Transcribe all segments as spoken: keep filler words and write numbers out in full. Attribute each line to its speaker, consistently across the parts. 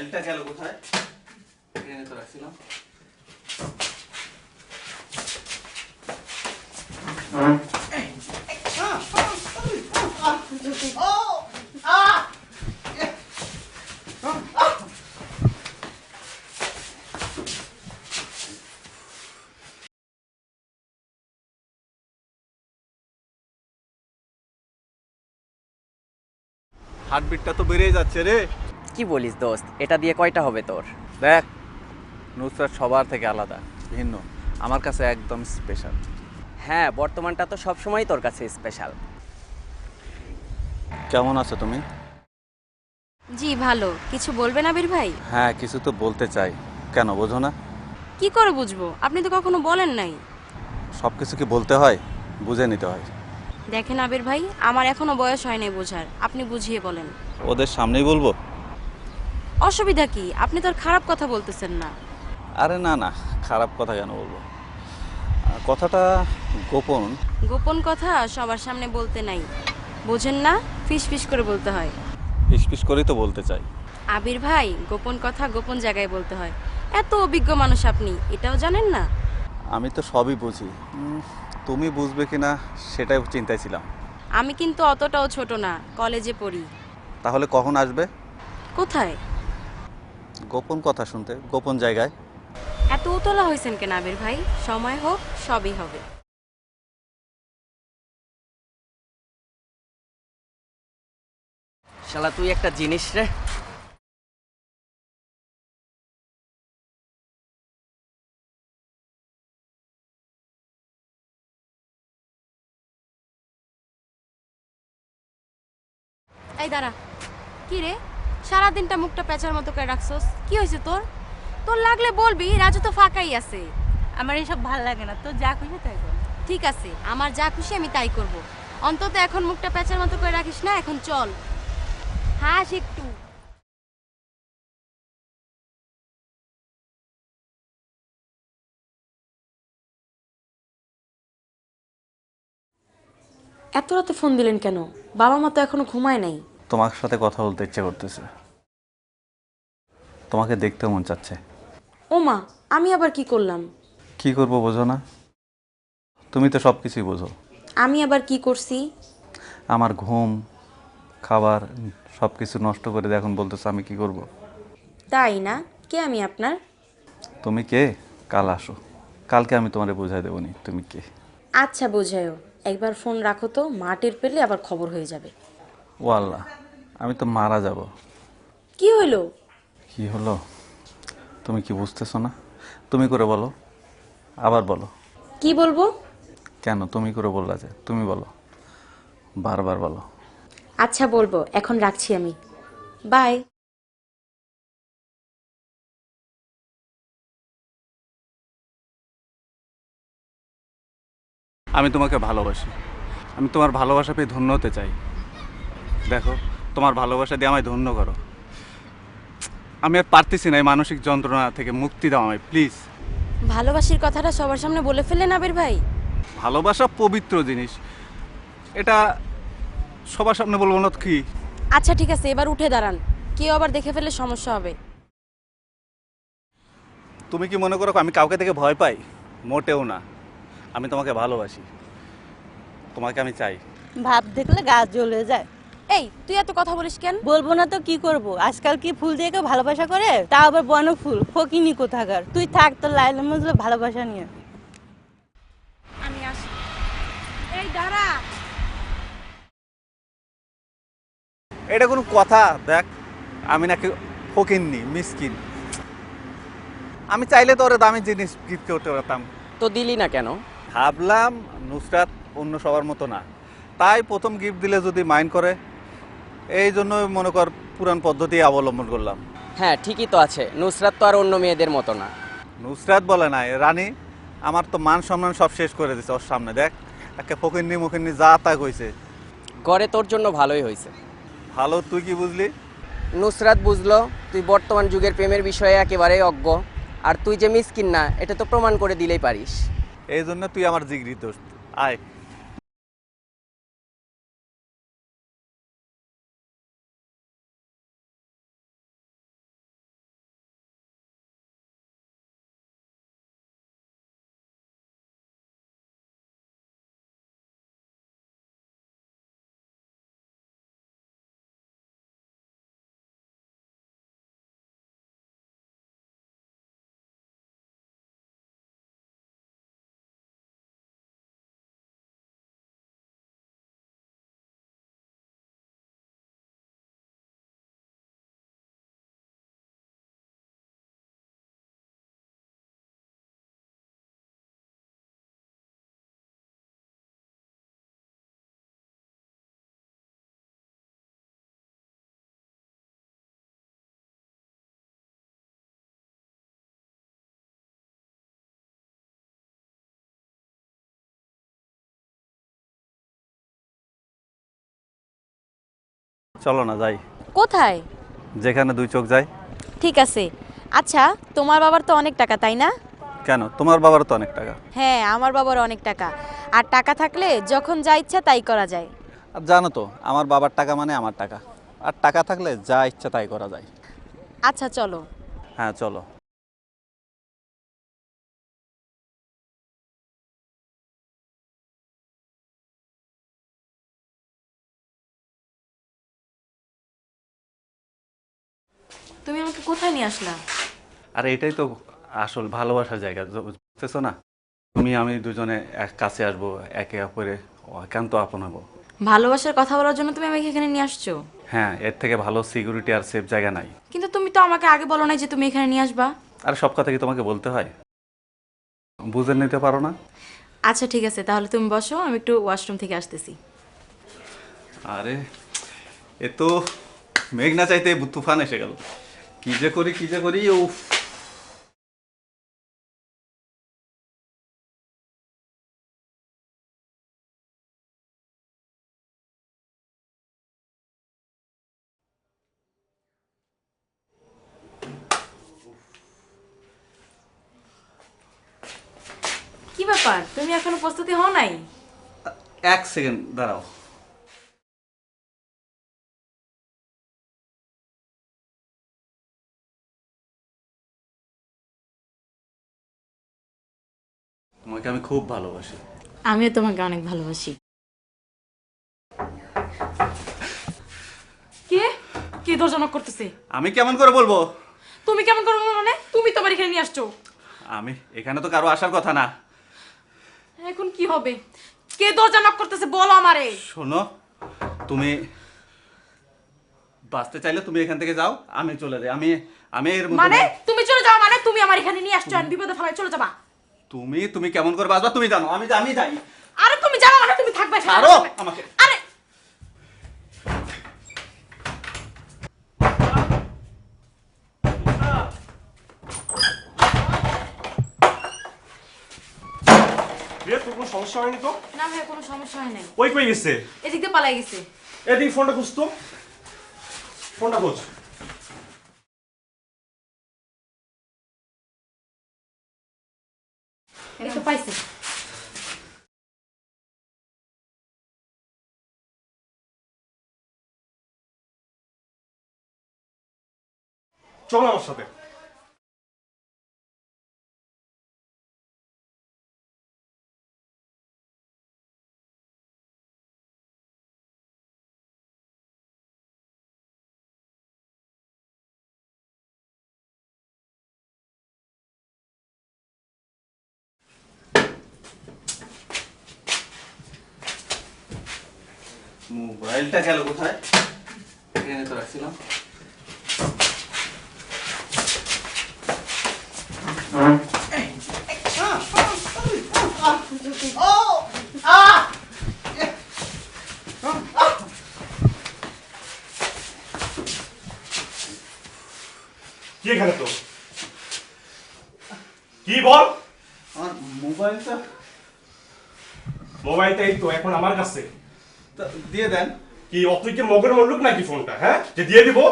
Speaker 1: ফাইলটা গেল কোথায়? এখানে তো রাখছিলাম। হার্টবিটটা তো বেড়েই যাচ্ছে রে।
Speaker 2: কি বলিস দোস্ত, এটা দিয়ে কয়টা হবে তোর?
Speaker 1: দেখ, নুসরাত সবার থেকে আলাদা, ভিন্ন, আমার কাছে একদম স্পেশাল।
Speaker 2: হ্যাঁ, বর্তমানটা তো সবসময় তোর কাছে স্পেশাল।
Speaker 1: কেমন আছো তুমি?
Speaker 3: জি ভালো। কিছু বলবেন আবির ভাই?
Speaker 1: হ্যাঁ, কিছু তো বলতে চাই। কেন বোঝো না?
Speaker 3: কি করে বুঝবো? আপনি তো কখনো বলেন নাই।
Speaker 1: সব কিছু কি বলতে হয়? বুঝে নিতে হয়।
Speaker 3: দেখেন আবির ভাই, আমার এখনো বয়স হয় নাই বোঝার, আপনি বুঝিয়ে বলেন।
Speaker 1: ওদের সামনেই বলবো?
Speaker 3: অসুবিধা কি? আপনি তো আর খারাপ কথা বলতেছেন না।
Speaker 1: আরে না না, খারাপ কথা কেন বলবো? আহ, কথাটা গোপন।
Speaker 3: গোপন কথা সবার সামনে বলতে নাই, বোঝেন না? ফিস ফিস করে বলতে হয়।
Speaker 1: ফিসফিস করেই তো বলতে চাই।
Speaker 3: আবির ভাই, গোপন কথা গোপন জায়গায় বলতে হয়। এত অভিজ্ঞ মানুষ আপনি, এটাও জানেন না?
Speaker 1: আমি তো সবই বুঝি। উম, তুমি বুঝবে কিনা সেটাই চিন্তায় ছিলাম।
Speaker 3: আমি কিন্তু অতটাও ছোট না, কলেজে পড়ি।
Speaker 1: তাহলে কখন আসবে?
Speaker 3: কোথায়?
Speaker 1: গোপন কথা শুনতে, গোপন জায়গায়।
Speaker 3: এত উতলা হয়েছেন কেন আবির ভাই? সময় হোক, সবই হবে।
Speaker 2: শালা তুই একটা জিনিস রে।
Speaker 3: এই দাঁড়া। কি রে, সারাদিনটা মুখটা পেঁচার মতো করে রাখছস, কি হয়েছে তোর? তোর লাগলে বলবি, রাজু তো ফাঁকাই আছে।
Speaker 4: আমার এসব ভাল লাগে না, তো যা খুশি তাই কর।
Speaker 3: ঠিক আছে, আমার যা খুশি আমি তাই করব। অন্তত এখন মুখটা পেঁচার মতো করে রাখিস না, এখন চল। হাস একটু। এত রাতে ফোন দিলেন কেন? বাবা মা তো এখনো ঘুমায় নাই।
Speaker 1: তোমার সাথে কথা বলতে ইচ্ছে করতেছে, তোমাকে দেখতে মন চাচ্ছে।
Speaker 3: ও মা, আমি আবার কি করলাম?
Speaker 1: কি করবো বোঝো না? তুমি তো সব কিছুই বোঝো।
Speaker 3: আমি আবার কি করছি?
Speaker 1: আমার ঘুম, খাবার সব কিছু নষ্ট করে দিয়ে এখন বলতেছো আমি কি করব?
Speaker 3: তাই না? কে আমি আপনার?
Speaker 1: তুমি কে? কাল আসো, কালকে আমি তোমারে বোঝাই দেবো নি তুমি কে।
Speaker 3: আচ্ছা বোঝায়ও। একবার ফোন রাখো তো, মা টের পেলে আবার খবর হয়ে যাবে।
Speaker 1: ও আল্লাহ, আমি তো মারা যাব।
Speaker 3: কি হইলো?
Speaker 1: কি হলো? তুমি কি বুঝতেছো না? তুমি করে বলো, আবার বলো।
Speaker 3: কি বলবো?
Speaker 1: কেন তুমি করে বললা যে? তুমি বলো, বারবার বলো।
Speaker 3: আচ্ছা বলবো, এখন রাখছি আমি। বাই।
Speaker 1: আমি তোমাকে ভালোবাসি, আমি তোমার ভালোবাসা পেয়ে ধন্য হতে চাই। দেখো, তোমার ভালোবাসা দিয়ে আমায় ধন্য করো। আমি আর পারতেছি না এই মানসিক যন্ত্রণা থেকে মুক্তি দাও আমায় প্লিজ।
Speaker 3: ভালোবাসির কথাটা সবার সামনে বলে ফেললেন আবির ভাই।
Speaker 1: ভালোবাসা পবিত্র জিনিস, এটা সবার সামনে বলবো না তো কি?
Speaker 3: আচ্ছা ঠিক আছে, এবার উঠে দাঁড়ান, কেউ আবার দেখে ফেললে সমস্যা হবে।
Speaker 1: তুমি কি মনে করো আমি কাউকে থেকে ভয় পাই? মোটেও না, আমি তোমাকে ভালোবাসি, তোমাকে আমি চাই।
Speaker 4: ভাব দেখলে গা জ্বলে যায়।
Speaker 3: এই তুই এত কথা বলিস কেন?
Speaker 4: বলবো না তো কি করব? আজকাল কি ফুল দিয়ে কেউ ভালোবাসা করে? তা আবার বন ফুল, ফকিনি কোথাকার। তুই থাক তোর লাইলা মজলা ভালোবাসা নিয়ে।
Speaker 3: আমি আসি। এই দাঁড়া।
Speaker 1: এটা কোনো কথা? দেখ, আমি নাকি ফকিন্নি মিসকিন? আমি চাইলে তো ওরা দামি জিনিস গিফট করতে পারতাম।
Speaker 2: তো দিলি না কেন?
Speaker 1: ভাবলাম নুসরাত অন্য সবার মতো না, তাই প্রথম গিফট দিলে যদি মাইন্ড করে, এই জন্য মনে কর পুরান পদ্ধতি অবলম্বন করলাম।
Speaker 2: হ্যাঁ ঠিকই তো আছে, নুসরাত তো আর অন্য মেয়েদের মতো না।
Speaker 1: নুসরাত বলে নাই রানী, আমার তো মান সম্মান সব শেষ করে দিছে ওর সামনে। দেখ, একে ফকিন্নি মুখিন্নি যা তা কইছে।
Speaker 2: করে তোর জন্য ভালোই হয়েছে।
Speaker 1: ভালো, তুই কি বুঝলি?
Speaker 2: নুসরাত বুঝলো তুই বর্তমান যুগের প্রেমের বিষয়ে একেবারেই অজ্ঞ, আর তুই যে মিসকিন না এটা তো প্রমাণ করে দিলেই পারিস।
Speaker 1: এই জন্য তুই আমার জিগরি দোস্ত। আয়। চলো না যাই,
Speaker 3: কোথায়?
Speaker 1: যেখানে দুই চোখ যায়।
Speaker 3: ঠিক আছে। আচ্ছা, তোমার বাবার তো অনেক টাকা, তাই না?
Speaker 1: কেন, তোমার বাবার তো অনেক টাকা।
Speaker 3: হ্যাঁ, আমার বাবার অনেক টাকা। আর টাকা থাকলে যখন যা ইচ্ছা তাই করা যায়।
Speaker 1: আর জানো তো আমার বাবার টাকা মানে আমার টাকা, আর টাকা থাকলে যা ইচ্ছা তাই করা যায়।
Speaker 3: আচ্ছা চলো।
Speaker 1: হ্যাঁ চলো।
Speaker 3: তুমি আমাকে কোথায় নিয়ে আসলা?
Speaker 1: আর এটাই তো আসল ভালোবাসার জায়গা, বুঝতেছো না? তুমি আমি দুজনে এক কাছে আসবো, একে অপরে একান্ত আপন হবো।
Speaker 3: ভালোবাসার কথা বলার জন্য তুমি আমাকে এখানে নিয়ে আসছো?
Speaker 1: হ্যাঁ, এর থেকে ভালো সিকিউরিটি আর সেফ জায়গা নাই।
Speaker 3: কিন্তু তুমি তো আমাকে আগে বলো নাই যে তুমি এখানে নিয়ে আসবা।
Speaker 1: আর সব কথা কি তোমাকে বলতে হয়? বুঝে নিতে পারো না?
Speaker 3: আচ্ছা ঠিক আছে, তাহলে তুমি বসো, আমি একটু ওয়াশরুম থেকে আসতেছি।
Speaker 1: আরে এ তো মেঘ না চাইতে তুফান এসে গেল। কি যে করি কি যে করি উফ।
Speaker 3: কি ব্যাপার, তুমি এখনো প্রস্তুতি হও নাই?
Speaker 1: এক সেকেন্ড দাঁড়াও। তোমাকে আমি খুব ভালোবাসি।
Speaker 3: আমিও তোমাকে অনেক ভালোবাসি। কে কে দরজা নক করতেছে?
Speaker 1: আমি কেমন করে বলবো?
Speaker 3: তুমি কেমন করবো মানে? তুমি তো আমার এখানে নিয়ে আসছো।
Speaker 1: আমি এখানে তো কারো আসার কথা না।
Speaker 3: এখন কি হবে? কে দরজা নক করতেছে বলো আমারে।
Speaker 1: শোনো, তুমি বাঁচতে চাইলে তুমি এখান থেকে যাও, আমি চলে যাই। আমি আমি এর মধ্যে
Speaker 3: মানে
Speaker 1: নেই।
Speaker 3: তুমি চলে যাও মানে? তুমি আমার এখানে নিয়ে আসছো, আমি বিপদে ফেলায় চলে যাবা?
Speaker 1: তুমি তুমি কেমন করে বাঁচবা তুমি জানো। আমি আমি যাই।
Speaker 3: আরে তুমি যাও মানে তুমি থাকবে এখানে।
Speaker 1: ছাড়ো আমাকে।
Speaker 3: আরে
Speaker 5: রে তোর কোনো সমস্যা হয়নি তো?
Speaker 3: না ভাই, কোনো সমস্যা হয় নাই।
Speaker 5: ওই কই গেছে?
Speaker 3: এদিক দিয়ে পালাই গেছে।
Speaker 5: এদিক ফোনটা খুঁজ তো, ফোনটা খোঁজ।
Speaker 3: এই তো পাইছে।
Speaker 5: চল আমার সাথে।
Speaker 1: মোবাইলটা গেল কোথায়? এখানে তো রাখছিলাম।
Speaker 5: কি এখানে তো? কি বল?
Speaker 1: আমার মোবাইলটা
Speaker 5: মোবাইলটা এই তো এখন আমার কাছে।
Speaker 1: তা দিয়ে দেন।
Speaker 5: কি অতুই কি মগের মল্লুক নাকি ফোনটা? হ্যাঁ, যে দিয়ে দিব?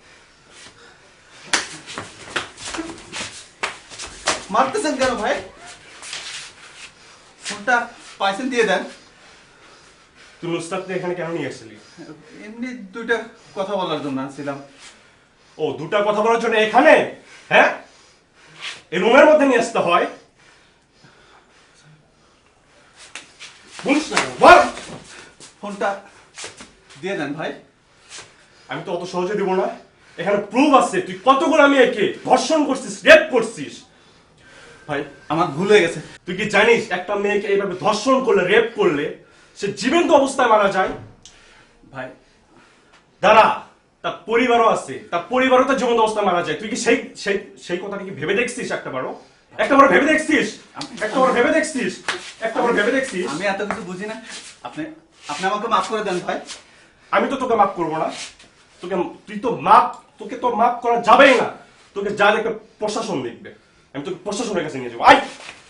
Speaker 1: মারতেছেন কেন ভাই? ফোনটা পাইছেন, দিয়ে দেন।
Speaker 5: তুই নুসরাতকে এখানে কেন নিয়ে আসছিলি?
Speaker 1: এমনি দুইটা কথা বলার জন্য আসছিলাম।
Speaker 5: ও, দুটা কথা বলার জন্য এখানে? হ্যাঁ, এই রুমের মধ্যে নিয়ে আসতে হয়? বলিস না বল।
Speaker 1: ফোনটা দিয়ে দেন ভাই।
Speaker 5: আমি তো অত সহজে দিব না। এখানে প্রুফ আছে তুই কতগুলো আমি একে ধর্ষণ করছিস, রেপ করছিস।
Speaker 1: ভাই আমার ভুল হয়ে গেছে।
Speaker 5: তুই কি জানিস একটা মেয়েকে এইভাবে ধর্ষণ করলে, রেপ করলে সে জীবন্ত অবস্থায় মারা যায়?
Speaker 1: ভাই
Speaker 5: দাঁড়া, তার পরিবারও আছে, তার পরিবারও তো জীবন্ত অবস্থায় মারা যায়। তুই কি সেই সেই সেই কথাটা কি ভেবে দেখছিস? একটা বারো একটা বারো ভেবে দেখছিস? একটা বারো ভেবে দেখছিস? একটা বারো ভেবে দেখছিস?
Speaker 1: আমি এত কিছু বুঝি না। আপনি আপনি আমাকে মাফ করে দেন ভাই।
Speaker 5: আমি তো তোকে মাফ করবো না। তোকে তুই তো মাপ তোকে তো মাফ করা যাবেই না। তোকে যা দেখবে প্রশাসন দেখবে। আমি তোকে প্রশাসনের কাছে নিয়ে যাবো। আয়।